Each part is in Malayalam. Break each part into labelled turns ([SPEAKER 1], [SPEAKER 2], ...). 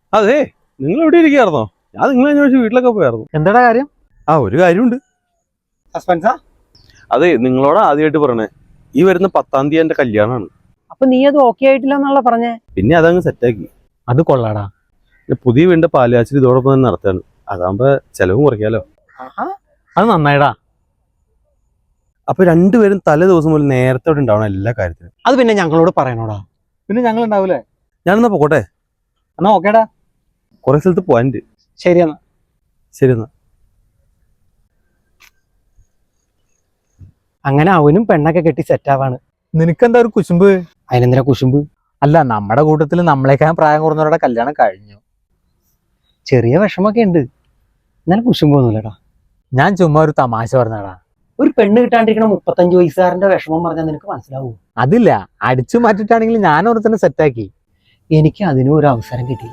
[SPEAKER 1] അതെ, നിങ്ങൾ എവിടെ ഇരിക്കുകയായിരുന്നോ? ഞാൻ നിങ്ങളെ അന്വേഷിച്ച് വീട്ടിലൊക്കെ പോയായിരുന്നു.
[SPEAKER 2] എന്താ കാര്യം?
[SPEAKER 1] ഒരു കാര്യമുണ്ട്.
[SPEAKER 2] സസ്പെൻസാ?
[SPEAKER 1] അതെ, നിങ്ങളോട് ആദ്യമായിട്ട് പറഞ്ഞേ, ഈ വരുന്ന 10-ാം തീയതി എന്റെ കല്യാണമാണ്.
[SPEAKER 2] അപ്പൊ നീ അത് ഓക്കെ ആയിട്ടില്ല എന്നുള്ള പറഞ്ഞേ?
[SPEAKER 1] പിന്നെ അതങ്ങ് സെറ്റാക്കി.
[SPEAKER 2] അത് കൊള്ളാടാ.
[SPEAKER 1] പുതിയ വീടിന്റെ പാലുകാച്ചിൽ ഇതോടൊപ്പം തന്നെ നടത്തുകയാണ്. അതാകുമ്പോ ചെലവും കുറയ്ക്കാലോ.
[SPEAKER 2] അത് നന്നായിടാ.
[SPEAKER 1] അപ്പൊ രണ്ടുപേരും തലേ ദിവസം മുതൽ നേരത്തെ അവിടെ ഉണ്ടാവണം എല്ലാ കാര്യത്തിനും.
[SPEAKER 2] അത് പിന്നെ ഞങ്ങളോട് പറയണോടാ. പിന്നെ ഞങ്ങൾ ഉണ്ടാവൂലേ?
[SPEAKER 1] ഞാനെന്നാ പോട്ടെ.
[SPEAKER 2] എന്നാ ഓക്കേടാ.
[SPEAKER 1] കുറെ സ്ഥലത്ത് പോവാനുണ്ട്.
[SPEAKER 2] ശരി എന്നാ.
[SPEAKER 1] ശരി എന്നാ.
[SPEAKER 2] അങ്ങനെ അവനും പെണ്ണൊക്കെ കെട്ടി സെറ്റാവാണ്.
[SPEAKER 3] നിനക്കെന്താ ഒരു കുശുമ്പ്?
[SPEAKER 2] അതിനെന്തിനാ കുശുമ്പ്?
[SPEAKER 3] അല്ല, നമ്മുടെ കൂട്ടത്തിൽ നമ്മളെക്കാൾ പ്രായം കുറഞ്ഞവരുടെ കല്യാണം കഴിഞ്ഞു.
[SPEAKER 2] ചെറിയ വിഷമൊക്കെ ഉണ്ട്, എന്നാലും കുശുമ്പൊന്നുമില്ലടാ.
[SPEAKER 3] ഞാൻ ചുമ്മാ ഒരു തമാശ പറഞ്ഞടാ.
[SPEAKER 2] ഒരു പെണ്ണ് കിട്ടാണ്ടിരിക്കണ 35 വയസ്സുകാരന്റെ വിഷമം പറഞ്ഞാൽ നിനക്ക് മനസ്സിലാവൂ?
[SPEAKER 3] അതില്ല, അടിച്ചു മാറ്റിട്ടാണെങ്കിൽ ഞാൻ അവിടെ തന്നെ സെറ്റാക്കി.
[SPEAKER 2] എനിക്ക് അതിനും ഒരു അവസരം കിട്ടിയില്ല.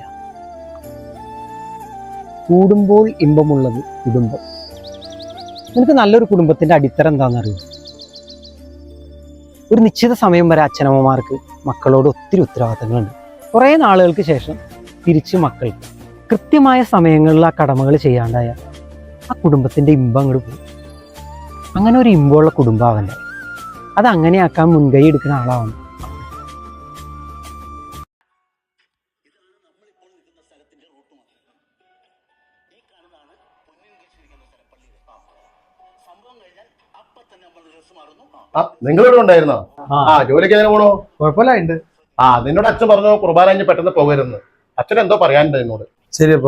[SPEAKER 2] കൂടുമ്പോൾ ഇമ്പമുള്ളത് കുടുംബം. നിനക്ക് നല്ലൊരു കുടുംബത്തിന്റെ അടിത്തറ എന്താണെന്നറിയോ? ഒരു നിശ്ചിത സമയം വരെ അച്ഛനമ്മമാർക്ക് മക്കളോട് ഒത്തിരി ഉത്തരവാദിത്തങ്ങളുണ്ട്. കുറേ നാളുകൾക്ക് ശേഷം തിരിച്ച് മക്കൾക്ക് കൃത്യമായ സമയങ്ങളിൽ ആ കടമകൾ ചെയ്യാണ്ടായ ആ കുടുംബത്തിന്റെ ഇമ്പം അങ്ങോട്ട് പോകും. അങ്ങനെ ഒരു ഇമ്പമുള്ള കുടുംബാവൻ്റെ അത് അങ്ങനെയാക്കാൻ മുൻകൈ എടുക്കുന്ന ആളാവണം.
[SPEAKER 4] നിങ്ങളിവിടെ ഉണ്ടായിരുന്നോ? ജോലിക്ക് എങ്ങനെ പോണോ?
[SPEAKER 3] കുഴപ്പമില്ല.
[SPEAKER 4] നിന്നോട് അച്ഛൻ പറഞ്ഞു കുർബാന കഴിഞ്ഞ് പെട്ടെന്ന് പോകരുതെന്ന്. അച്ഛൻ എന്തോ പറയാനുണ്ട് എന്നോട്.
[SPEAKER 1] ശരി. അപ്പൊ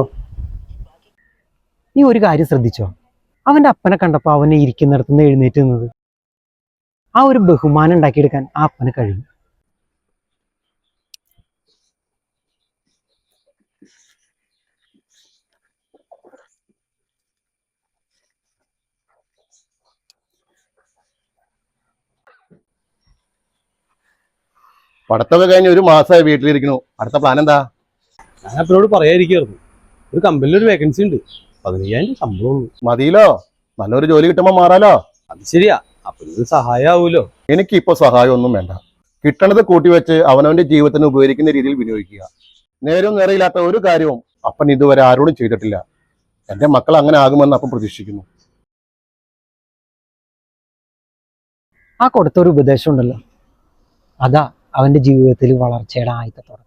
[SPEAKER 2] നീ ഒരു കാര്യം ശ്രദ്ധിച്ചോ? അവന്റെ അപ്പനെ കണ്ടപ്പോ അവനെ ഇരിക്കുന്നിടത്തുനിന്ന് എഴുന്നേറ്റ് നിന്നത്. ആ ഒരു ബഹുമാനം ഉണ്ടാക്കിയെടുക്കാൻ ആ അപ്പന് കഴിയും.
[SPEAKER 4] പഠിത്തമൊക്കെ കഴിഞ്ഞ് ഒരു മാസമായി വീട്ടിലിരിക്കണു. അടുത്ത പ്ലാൻ എന്താ?
[SPEAKER 1] ഞാൻ അപ്പനോട് പറയാതിരിക്കായിരുന്നു. ഒരു കമ്പനിയിൽ ഒരു വേക്കൻസി ഉണ്ട്. 15,000 ശമ്പളം
[SPEAKER 4] മതിയിലോ? നല്ലൊരു ജോലി കിട്ടുമ്പോ മാറാലോ.
[SPEAKER 1] അത് ശരിയാ. അപ്പനൊരു സഹായം ആവൂലോ.
[SPEAKER 4] എനിക്കിപ്പോ സഹായം ഒന്നും വേണ്ട. കിട്ടണത് കൂട്ടിവെച്ച് അവനവന്റെ ജീവിതത്തിന് ഉപകരിക്കുന്ന രീതിയിൽ വിനിയോഗിക്കുക. നേരവും നേരെയില്ലാത്ത ഒരു കാര്യവും അപ്പൻ ഇതുവരെ ആരോടും ചെയ്തിട്ടില്ല. എന്റെ മക്കൾ അങ്ങനെ ആകുമെന്ന് അപ്പം പ്രതീക്ഷിക്കുന്നു.
[SPEAKER 2] ആ കൊടുത്തൊരു ഉപദേശം ഉണ്ടല്ലോ, അതാ അവന്റെ ജീവിതത്തിൽ വളർച്ചയുടെ ആദ്യത്തെ തുടക്കം.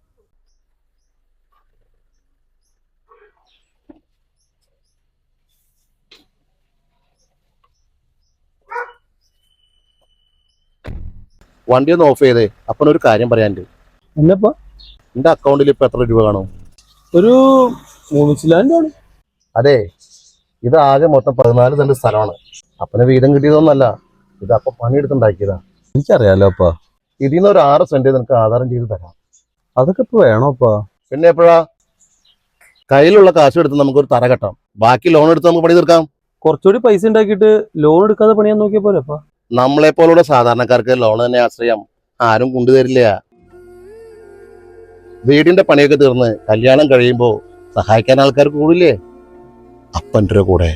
[SPEAKER 4] വണ്ടി ഒന്ന് ഓഫ് ചെയ്തേ. അപ്പനൊരു കാര്യം പറയാനുണ്ട്.
[SPEAKER 1] എന്നപ്പോ
[SPEAKER 4] എന്റെ അക്കൗണ്ടിൽ ഇപ്പൊ എത്ര രൂപ കാണും?
[SPEAKER 1] ഒരു 3 ലക്ഷം.
[SPEAKER 4] അതെ, ഇത് ആകെ മൊത്തം 14 സെന്റ് സ്ഥലമാണ്. അപ്പന് വീതം കിട്ടിയതൊന്നല്ല, ഇത് അപ്പൊ പണിയെടുത്തുണ്ടാക്കിയതാ.
[SPEAKER 1] എനിക്കറിയാലോ അപ്പാ.
[SPEAKER 4] ഇതിന്ന് ഒരു 6 സെന്റ് നിനക്ക് ആധാരം ചെയ്ത് തരാം.
[SPEAKER 1] അതൊക്കെ ഇപ്പൊ വേണോ അപ്പാ?
[SPEAKER 4] പിന്നെ എപ്പോഴാ? കയ്യിലുള്ള കാശ് എടുത്ത് നമുക്കൊരു തറ കെട്ടാം. ബാക്കി ലോൺ എടുത്ത് നമുക്ക് പണി തീർക്കാം.
[SPEAKER 1] കുറച്ചുകൂടി പൈസ ഉണ്ടാക്കിയിട്ട് ലോൺ എടുക്കാതെ പണിയാൻ നോക്കിയ പോലെ അപ്പാ.
[SPEAKER 4] നമ്മളെ പോലുള്ള സാധാരണക്കാർക്ക് ലോൺ തന്നെ ആശ്രയം ആരും കൊണ്ടുതരില്ല. വീടിന്റെ പണിയൊക്കെ തീർന്ന് കല്യാണം കഴിയുമ്പോ സഹായിക്കാൻ ആൾക്കാർ കൂടില്ലേ അപ്പൻ്റെ കൂടെ?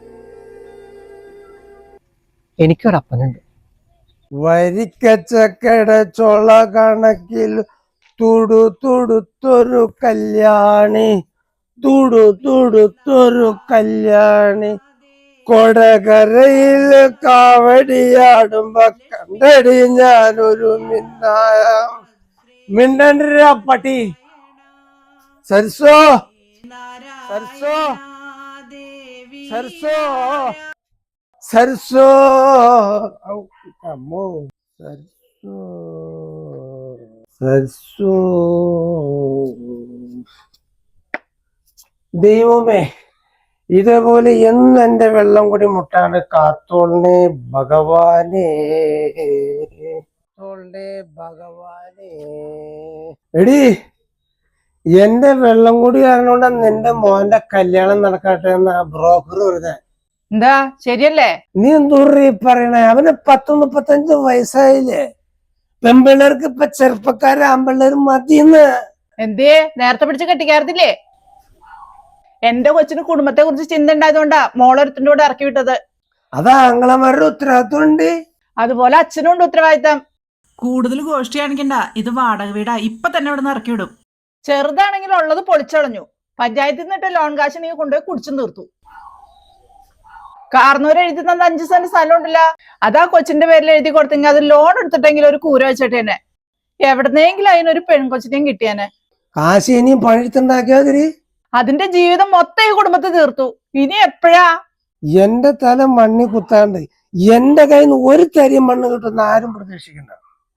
[SPEAKER 2] എനിക്കൊരപ്പനുണ്ട്.
[SPEAKER 5] വരിക്കച്ചക്കട ചൊള കണക്കിൽ തുടുത്തൊരു കല്യാണി, തുടുത്തൊരു കല്യാണി, കൊടകരയിൽ കാവടിയാടുമ്പോ കണ്ടടി ഞാനൊരു മിണ്ടര പട്ടി. സർസോ സർസോ സർസോ സർസോ അമ്മോ സർസോ സർസോ. ദൈവമേ, ഇതേപോലെ എന്ന് എന്റെ വെള്ളം കൂടി മുട്ടാണ് കാത്തോളേ ഭഗവാനേ, ഭഗവാനേ. എടി, എന്റെ വെള്ളം കൂടി കാരണോണ്ടാ നിന്റെ മോന്റെ കല്യാണം നടക്കട്ടെ എന്ന ബ്രോക്കർ വരുന്നത്.
[SPEAKER 6] എന്താ ശരിയല്ലേ?
[SPEAKER 5] നീ എന്തൂറി പറയണേ? അവന് 30-35 വയസ്സായില്ലേ? പെമ്പിള്ളേർക്ക് ഇപ്പൊ ചെറുപ്പക്കാരെ ആമ്പിള്ളേർ മതിന്ന്.
[SPEAKER 6] എന്തേ നേരത്തെ പിടിച്ച് കെട്ടിക്കാർത്തില്ലേ? എന്റെ കൊച്ചിന് കുടുംബത്തെ കുറിച്ച് ചിന്ത ഉണ്ടായതുകൊണ്ടാ മോളൊരുത്തിന്റെ കൂടെ ഇറക്കി വിട്ടത്.
[SPEAKER 5] അതാ ആങ്ങളമാരുടെ ഉത്തരവാദിത്വം ഉണ്ട്.
[SPEAKER 6] അതുപോലെ അച്ഛനും ഉണ്ട് ഉത്തരവാദിത്തം.
[SPEAKER 7] കൂടുതൽ ഗോഷ്ടി കാണിക്കണ്ട, ഇത് വാടക വീടാ. ഇപ്പൊ തന്നെ ഇവിടെ നിന്ന് ഇറക്കി വിടും.
[SPEAKER 6] ചെറുതാണെങ്കിൽ ഉള്ളത് പൊളിച്ചളഞ്ഞു. പഞ്ചായത്തിൽ നിന്നിട്ട് ലോൺ കാശ് നീ കൊണ്ടുപോയി കുടിച്ചു തീർത്തു. കാർന്നൂര് എഴുതി തന്ന 5 സെന്റ് സ്ഥലം ഉണ്ടല്ല, അതാ കൊച്ചിന്റെ പേരിൽ എഴുതി കൊടുത്തെങ്കിൽ അത് ലോൺ എടുത്തിട്ടെങ്കിൽ ഒരു കൂര വെച്ചിട്ടേനെ. എവിടുന്നെങ്കിലും അതിനൊരു പെൺകൊച്ചിനെയും കിട്ടിയാനെ.
[SPEAKER 5] കാശ് ഇനിയും പണിയെടുത്തുണ്ടാക്കിയാതിരി.
[SPEAKER 6] അതിന്റെ ജീവിതം മൊത്തം ഈ കുടുംബത്തെ തീർത്തു. ഇനി എപ്പോഴാ
[SPEAKER 5] എന്റെ തല മണ്ണി കുത്താണ്ട് എന്റെ കയ്യിൽ നിന്ന് ഒരു തരിയും മണ്ണ് കിട്ടുന്ന ആരും പ്രതീക്ഷിക്കണ്ട.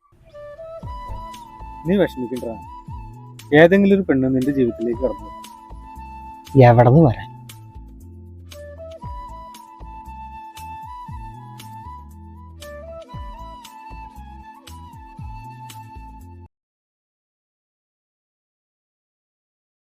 [SPEAKER 7] നീ വിഷമിക്കണ്ട. ഏതെങ്കിലും ഒരു പെണ്ണ് നിന്റെ ജീവിതത്തിലേക്ക് കടന്നു.
[SPEAKER 2] എവിടെ നിന്ന് വരാൻ?